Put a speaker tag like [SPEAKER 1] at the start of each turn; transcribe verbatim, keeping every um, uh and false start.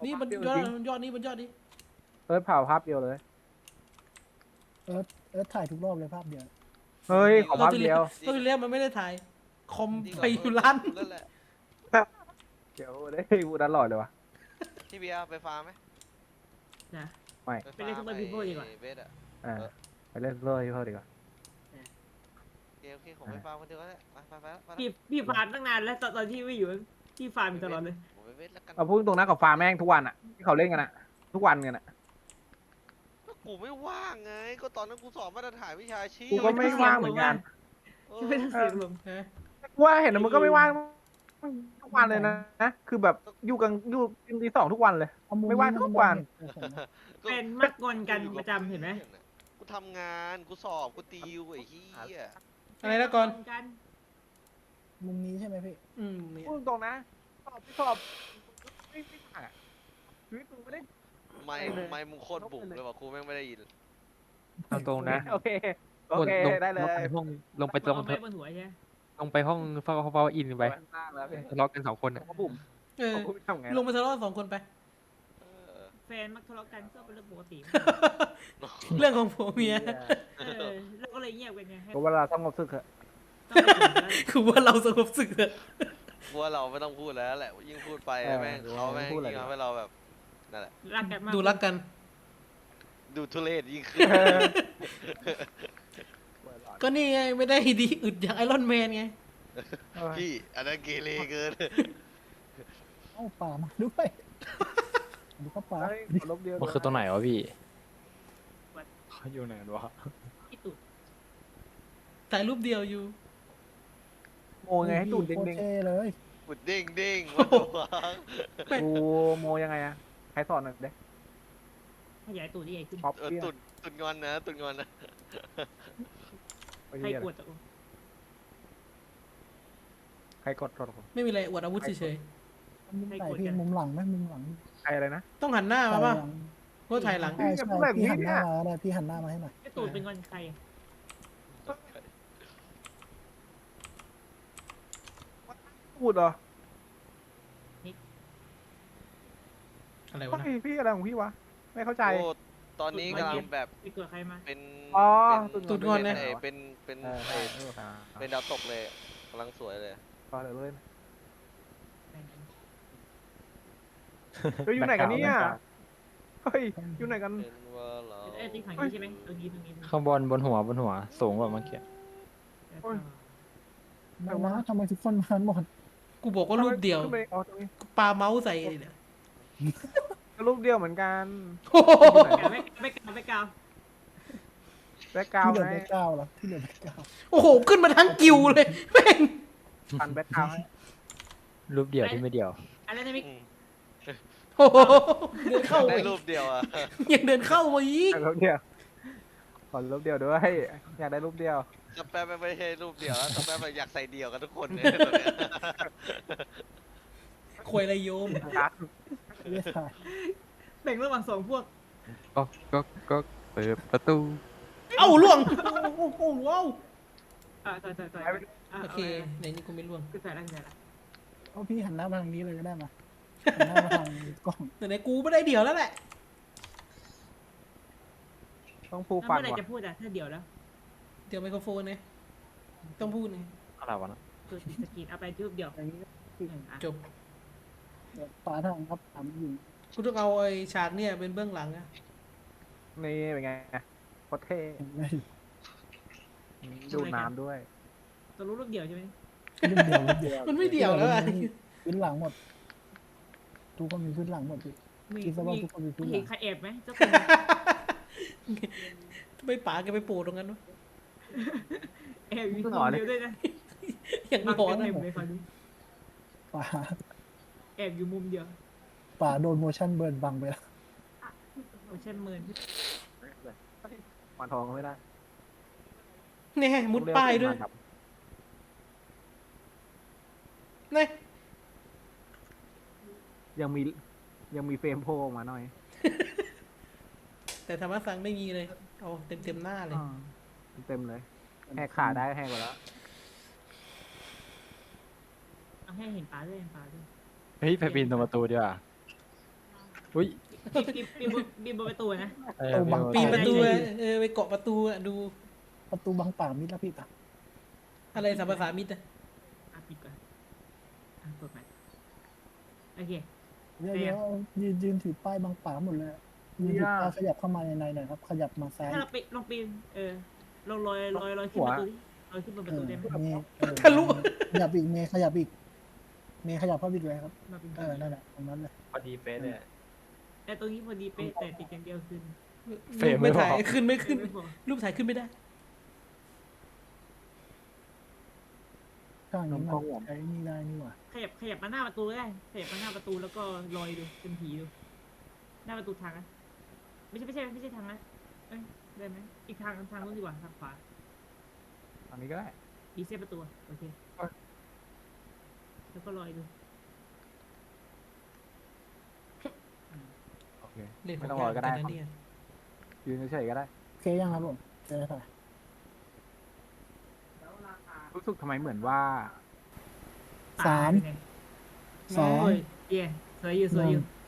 [SPEAKER 1] นี่บนยอดบนยอดนี้บนยอดนี้
[SPEAKER 2] เอิร์ธเผาภาพเดียวเลย
[SPEAKER 3] เอิร์ธเอิร์ธถ่ายทุกรอบเลยภาพเดียว
[SPEAKER 2] เฮ้ยขอภาพเดียว
[SPEAKER 1] ก็ที่เรียกมันไม่ได้ถ่ายคอม
[SPEAKER 4] ดีก
[SPEAKER 1] ไป
[SPEAKER 4] ว่า
[SPEAKER 1] อยู่ร้าน
[SPEAKER 4] นั่นแหละ
[SPEAKER 2] เดี๋ยวได้พูดตลอดเลยวะ
[SPEAKER 4] พี่เบียร์ไปฟาร์มไหม
[SPEAKER 5] นะ
[SPEAKER 2] ไม่
[SPEAKER 5] ไปเล่น Super People ดีกว่า
[SPEAKER 4] ไอ้เบสอะ
[SPEAKER 2] อ่าไปเล่นเลยเพิ่มดีกว่า
[SPEAKER 4] โอเคโอเคผมไปฟาร์มคนเดียวก็ได้ไปไปไปไป
[SPEAKER 5] พี่พี่ฟาร์มตั้งนานแล้วตอนตอนที่ไม่อยู่พี่ฟาร์มอยู่ตลอดเลย
[SPEAKER 4] ผมไปเบสแล้วกัน
[SPEAKER 2] เอาพูดตรงนะกับฟาร์มแม่งทุกวันอะที่เขาเล่นกันอะทุกวันกันอะ
[SPEAKER 4] ก็กูไม่ว่างไง ก็ตอนนั้นกูสอบมาตรฐานวิชาชีพ
[SPEAKER 2] กูก็ไม่ว่างเหมือนกัน
[SPEAKER 4] เออ
[SPEAKER 5] ไม่ต้องเสียงลม
[SPEAKER 2] กูว่าเห็นแล้วมึงก็ไม่ว่างทุกวันเลยนะนะคือแบบอยู่กันอยู่กินตีสองทุกวันเลย
[SPEAKER 3] เอมุ
[SPEAKER 2] ไม่ว่างทุกวัน
[SPEAKER 4] ก็
[SPEAKER 5] เป็นมักงอนกันประจำเห็นไหม
[SPEAKER 4] กูทำงานกูสอบกูติวไอ้เหี้ย
[SPEAKER 1] อะไรนะก่อน
[SPEAKER 5] กัน
[SPEAKER 3] มุมนี้ใช่ไหมพี่
[SPEAKER 1] อืมเนี่ย
[SPEAKER 2] พูดตรงนะสอบที่สอบไม่ไม่ต่างอะชีวิตมึงไม่ได้
[SPEAKER 4] ไม่ไม่มึงโคตรบุกเลยว่ะครูแม่งไม่ได้ยิน
[SPEAKER 6] เอาตรงนะ
[SPEAKER 2] โอเคโอเค
[SPEAKER 6] ลง
[SPEAKER 2] ได้เลย
[SPEAKER 6] ลงไปห้องลงไปลง
[SPEAKER 5] เอาไม้บนหัวใช่ไหม
[SPEAKER 6] ลงไปห้องเฝ้าเฝ้าอินไป
[SPEAKER 2] สร้างแล้วพี่
[SPEAKER 6] ทะเลาะกันสองคนอ่ะ
[SPEAKER 2] เขาบุ่ม
[SPEAKER 1] เออ
[SPEAKER 2] เขาทำไง
[SPEAKER 1] ลงมาทะเลาะสองคนไป
[SPEAKER 4] เออ
[SPEAKER 5] แฟนมักทะเลาะกันก็เป็นเรื่องปกติ
[SPEAKER 1] เรื่องของผัวเมีย
[SPEAKER 5] เออแล้วก็เลยเงียบกันไงให้
[SPEAKER 2] เพราะเวลาต้องงบสึกเหอะ
[SPEAKER 5] ต้องไปถึงแล้ว
[SPEAKER 1] คือว่าเราสงบศึกเถอะ
[SPEAKER 4] กูว่าเราไม่ต้องพูดแล้วแหละยิ่งพูดไปแม่งเขาแม่งยิ่งทำให้เราแบบนั่นแหละ
[SPEAKER 5] รักกันมาก
[SPEAKER 1] ดูรักกัน
[SPEAKER 4] ดูทุเรศยิ่งขึ้น
[SPEAKER 1] ก็นี่ไงไม่ได้ดีอึดอย่างไอรอนแมนไง
[SPEAKER 4] พี่อันนั้นเกเรเกิน
[SPEAKER 3] เอ้าป่ามาด้วยดูก็ป่า
[SPEAKER 2] เฮ้ยขอลบเดียว
[SPEAKER 6] มันคือตรงไหนวะพี่เขาอยู่ไหนวะ
[SPEAKER 5] ที่ตุด
[SPEAKER 1] ถ่ายรูปเดียวอยู่
[SPEAKER 2] โมไงให้ตูด
[SPEAKER 3] โคตร
[SPEAKER 2] เด้ง
[SPEAKER 3] เท่เลย
[SPEAKER 4] บุดเด้งเด้งวัดตัว
[SPEAKER 2] ๆกูโมยังไงอะใครสอนหน่อยเด้
[SPEAKER 5] ขยายตูดที่ใหญ่ขึ้น
[SPEAKER 2] ป๊อป
[SPEAKER 4] เออ
[SPEAKER 2] เปี้ย
[SPEAKER 4] ตุดตุดงอนนะตุดงอนนะ
[SPEAKER 2] ไอ้
[SPEAKER 5] ใคร
[SPEAKER 2] เหี้ย
[SPEAKER 5] กดตะ
[SPEAKER 2] ใครกดกดกด
[SPEAKER 1] ไม่มีอะไรอวดอาวุธเฉย
[SPEAKER 3] มุมไหนพี่มุมหลังไหมมุมหลัง
[SPEAKER 2] ใครอะไรนะ
[SPEAKER 1] ๆต้องหันหน้ามาป่ะเพราะถ่ายหลัง
[SPEAKER 3] ใช่ใช่พี่หันหน้ามาได้พี่หันหน้ามาให้หน่อย
[SPEAKER 5] ไอ้ตูดเป็นงอนใคร
[SPEAKER 2] พูดเหรอ
[SPEAKER 1] อะไรวะนะ
[SPEAKER 2] เฮ้ยพี่อะไรของพี่วะไม่เข้าใจ
[SPEAKER 4] โอ้ตอนนี้กำลังแบบ
[SPEAKER 5] ไปกดใครมา
[SPEAKER 4] เป็น
[SPEAKER 2] อ๋อ
[SPEAKER 4] เป็น
[SPEAKER 1] ตุดงอนนะ
[SPEAKER 4] เเป็นเป็น
[SPEAKER 2] เออ
[SPEAKER 4] เอ่อ
[SPEAKER 2] เออครับ
[SPEAKER 4] เป็นดาวตกเลยกำลังสวยเลย
[SPEAKER 2] ต่อเลยเลยเฮ้ยอยู่ไหนกันเนี่ยเฮ้ยอยู่ไหนกัน
[SPEAKER 4] เป็นว่าเรา
[SPEAKER 5] ไอ้ติ๊กถังนี้ใช่ไหมตรงนี้ตรงนี้
[SPEAKER 6] ข้างบนบนหัวบนหัวสูงกว่าเมื่อกี้
[SPEAKER 3] ไม่นะทำไมทุกคนมาหมด
[SPEAKER 1] กูบอกว่ารูปเดียว
[SPEAKER 2] ขึ้นไปอ๋อตรงนี้
[SPEAKER 1] ปาเมาส์ใส่เนี่ย
[SPEAKER 2] รูปเดียวเหมือนกัน
[SPEAKER 1] โอ้โห
[SPEAKER 5] ไม่ไม่กาวไม่กาว
[SPEAKER 2] แบ็กกราว
[SPEAKER 3] ที่
[SPEAKER 2] ด์
[SPEAKER 3] เหลือ
[SPEAKER 2] ให้
[SPEAKER 3] แค่เก้าแล้วที่เหลือแค่เก้า
[SPEAKER 1] โอ้โหขึ้นมาทั้งกิวเลยแม่ง
[SPEAKER 2] ปันแบ็กกราวด์ให้
[SPEAKER 6] รูปเดียวที่ไม่เดียว
[SPEAKER 5] อะไรนะมิก
[SPEAKER 4] อืม
[SPEAKER 1] โอ้โหเดินเข้า
[SPEAKER 4] ได้
[SPEAKER 1] ไป
[SPEAKER 4] รูปเดียวอ่ะ
[SPEAKER 1] ยังเดินเข้ามาอีก
[SPEAKER 2] รูปเดียวขอรูปเดียวด้วยอยากได้รูปเดียว
[SPEAKER 4] จะแป๊บไม่ใช่รูปเดียวแล้วจะแป๊บอยากใส่เดียวกันทุกคนเนี่ยตอนเนี้ย
[SPEAKER 1] ควยไรโยม
[SPEAKER 2] รัก
[SPEAKER 3] ไม่ได้ถ่าย
[SPEAKER 5] แบ่งระหว่างสองพวก
[SPEAKER 6] ก็ก็ก็เปิดประตู
[SPEAKER 1] เอ้าล่วงโอ้โหว้าว
[SPEAKER 5] อ่าต่อยต่อยต่อย
[SPEAKER 1] โอเคไหนนี่กูไม่ล่วง
[SPEAKER 5] คือใส่แล้วใส่แล้ว
[SPEAKER 3] เอาพี่หันหน้ามาทางนี้เลยก็ได้มาหันหน้ามาทางกล้อง
[SPEAKER 1] ไหนๆกูไม่ได้เดี่ยวแล้วแหละ
[SPEAKER 2] ต้องฟู
[SPEAKER 5] แล้ว
[SPEAKER 2] ฟัน
[SPEAKER 5] เมื่อไหร่
[SPEAKER 2] ว่ะ
[SPEAKER 5] จะพูดอ่ะถ้าเดี๋ยวแล้ว
[SPEAKER 1] เดี๋ยวไมโครโฟนไงต้องพูดไง
[SPEAKER 6] อะไรวะนะ
[SPEAKER 5] ตัวติดสกรีนเอาไปรูปเดียว
[SPEAKER 3] อย่างนี้
[SPEAKER 1] จบ
[SPEAKER 3] เดี๋ยวฝาทางครับถามอยู่
[SPEAKER 1] กูต้องเอาไอ้ฉากเนี่ยเป็นเบื้องหลังอะ
[SPEAKER 2] นี่เป็นไงโคตรเท่
[SPEAKER 3] เห็นไหม
[SPEAKER 2] ดูน้ำด้วย
[SPEAKER 5] ตัวรู้รูปเดียวใช่ไหม
[SPEAKER 3] รุ่นเดียวรุ่นเดียว
[SPEAKER 1] มันไม่เดี่ยวแล้วอะ
[SPEAKER 3] พื้นหลังหมด ทุกคนมีพื้นหลังหมดพี่
[SPEAKER 5] มี
[SPEAKER 3] คิดซะว่า
[SPEAKER 5] มี
[SPEAKER 3] ทุกคนมีพื้นห
[SPEAKER 5] เห็
[SPEAKER 3] ลั
[SPEAKER 5] น
[SPEAKER 3] ง
[SPEAKER 5] ใครแอบไหมเจ้าคน
[SPEAKER 1] ทำไมป๋าแกไปโผล่ตรงนั้นวะ
[SPEAKER 5] แอบอยู่คนเดียวด้วยนะ
[SPEAKER 1] อย่าง
[SPEAKER 5] บาง
[SPEAKER 1] หลอน
[SPEAKER 5] กัน
[SPEAKER 1] อะ
[SPEAKER 5] เต็มเลยคราวนี้
[SPEAKER 3] ป่า
[SPEAKER 5] แอบอยู่มุมเดียว
[SPEAKER 3] ป่าโดนโมชั่นเบิร์นบังไปแล้ว
[SPEAKER 5] โอ้เช่นเมิน
[SPEAKER 2] หวานทองก็ไม่ได้
[SPEAKER 1] เนี่ยมุดป้ายด้วยเนี่ย
[SPEAKER 2] ยังมียังมีเฟรมโผล่ออกมาหน่อย
[SPEAKER 1] แต่ธรรมะสังไม่มีเลยเอาเต็มเต็มๆหน้าเลย
[SPEAKER 2] เต็มเลยแหกขาได้แหกหมดแล้ว
[SPEAKER 5] เอาให้เห็นปลาด้วยเห็นปลาด้วย
[SPEAKER 6] เฮ้ยไปปีนตรงประตูดีกว่าอุ้ย
[SPEAKER 5] ปีนปีนบนปีนบนประตูนะ
[SPEAKER 6] เออ
[SPEAKER 3] เอาบัง
[SPEAKER 1] ปีนประตู
[SPEAKER 5] ได้
[SPEAKER 1] อะเออไปเกาะประตูอะดู
[SPEAKER 3] ประตูบังป่ามิดแล้วพี่ปะ
[SPEAKER 1] อะไรสัมภาษามิตรอะ
[SPEAKER 5] อ่ะปิดก่อนอ่ะเปิดใหม่โอเค
[SPEAKER 3] เดี๋ยวเดี๋ยวยืนยืนถือป้ายบังป่าหมดเลยอะยืนถือป้ายขยับเข้ามาในในหน่อยครับ ขยับมาซ้าย
[SPEAKER 5] ถ้าเราปีนลองปีนเออลองลอยลอยลอยขึ้นประตูดิลอยขึ้นบนป
[SPEAKER 3] เอ
[SPEAKER 5] ระตู
[SPEAKER 3] อ
[SPEAKER 5] ได้ไหม
[SPEAKER 3] เมย์เออ
[SPEAKER 1] ทะลุ
[SPEAKER 3] ขยับอีกเมย์ขยับอีก เมย์ขยับเข้าไปอีกเลยครับ
[SPEAKER 5] มาเป็น
[SPEAKER 3] เออนั่นแหละตรงนั้นเลย
[SPEAKER 6] พอดีเป๊ะเลย
[SPEAKER 5] แต่ตรงนี้พอดีเป๊ะแต่ติดอย่างเดียวคือ
[SPEAKER 6] เฟรมไม่
[SPEAKER 1] ไม่
[SPEAKER 6] พอ
[SPEAKER 1] ถ่ายขึ้นไม่ขึ้น
[SPEAKER 5] ไม่พอ
[SPEAKER 1] รูปถ่ายขึ้นไม่ได้
[SPEAKER 3] ข้างนี้มันใช้นี่ได้นี่หว่า
[SPEAKER 5] ขยับขยับมาหน้าประตูก็ได้ขยับมาหน้าประตูแล้วก็ลอยดูเป็นผีดูหน้าประตูทางนะไม่ใช่ไม่ใช่ไม่ใช่ทางนะเอ้ยได้ไหมอีกทางทางนู้นดีกว่าทางขวา
[SPEAKER 2] อันนี้ก็ได้
[SPEAKER 5] อีเซฟประตูอะโอเค
[SPEAKER 2] เอ้ย
[SPEAKER 5] แล้วก็ลอยดู
[SPEAKER 2] โอเค
[SPEAKER 1] เล่นข
[SPEAKER 2] ไม่
[SPEAKER 1] อง
[SPEAKER 2] ต้องรอก็ได้
[SPEAKER 1] ยากเหมือนนนะเนี่ย
[SPEAKER 2] ยืนเฉยๆก็ได้
[SPEAKER 3] โอเคยังครับผมเจอค่ะ
[SPEAKER 2] รู้สึกทำไมเหมือนว่า
[SPEAKER 3] สาม
[SPEAKER 5] ตเป็นไง
[SPEAKER 3] สอง
[SPEAKER 5] โอ้ยเย่สวยอยู่สวยอยู่
[SPEAKER 3] หนึ่ง